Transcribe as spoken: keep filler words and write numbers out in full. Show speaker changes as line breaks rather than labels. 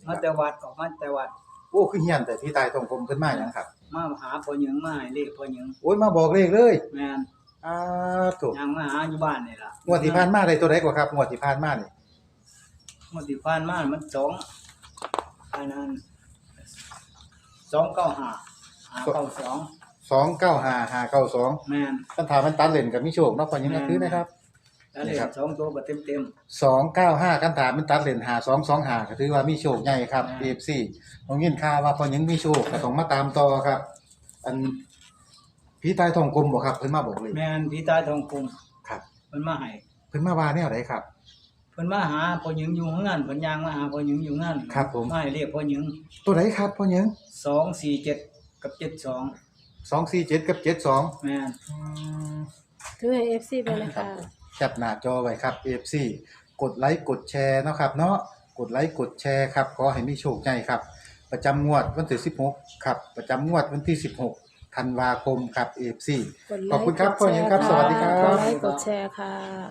มาแต่วัดออกมาแต่วัด
โอ้คือเฮียนแต่พี่ตายทองกลมเพิ่นมาหยังครับ
มาหาพ่อหญิงมาให้เลขพ่อหญิง
โอ้ยมาบอกเลขเลย
แม่น
อ้าถูก
ยังมาหาอยู่บ้านนี่ล่ะ
งวดที่ผ่านมาได้ตัวใดกว่าครับงวดที่ผ่านมานี่
งวดที่ผ่านมามันสองอันนั้นสองเก้าห้าห้าเก้าสอง
สองเก้าห้า ห้าเก้าสอง
แม่น
คันถามมันตัดเล่นก็มีโชคเนาะพอหยังก็คือนะครับ
แล้วเลขสองตัวก็เต็ม
สองเก้าห้าคันถามมันตัดเล่นห้าสองสองห้าก็ถือว่ามีโชคใหญ่ครับ เอ เอฟ ซี น้องยินข่าวว่าพอหยังมีโชคก็ต้องมาตามต่อครับ อันพี่ตายทองกลมบ่ครับเพิ่นมาบอกเลย
ๆแม่นพี่ตายทองคุม
ครับ
เพิ่นมาให้
เพิ่นมาว่าแนวใดครับ
เพิ่นมาหาพ่อหญิงอยู่เฮือนเพิ่นย่างมาหาพ่อหญิงอยู่เฮือน
ครับผม
มาให้เลขพ่อหญิง
ตัวใดครับพอหยัง
สองสี่เจ็ดกับเจ็ดสอง
สองสี่เจ็ดกับเจ็ดสอง
แม่น
อืม
ถือให้ เอฟ ซี ไปเลย
ครั
ค่ะ
บแคปหน้าจอไว้ครับ เอฟ ซี กดไลค์กดแชร์เนาะครับเนาะกดไลค์กดแชร์ครับขอให้มีโชคใหญ่ครับ ประจำงวดวันที่สิบหกครับประจำงวดวันที่สิบหกธันวาคมครับ เอฟ ซี
กดไล
ขอบคุณ
ค์
ครับ
กด
พ่อหญิงครับ
แช
สวัสดีครั
ก
บ
ดไลค์กดแชร์ค่ะ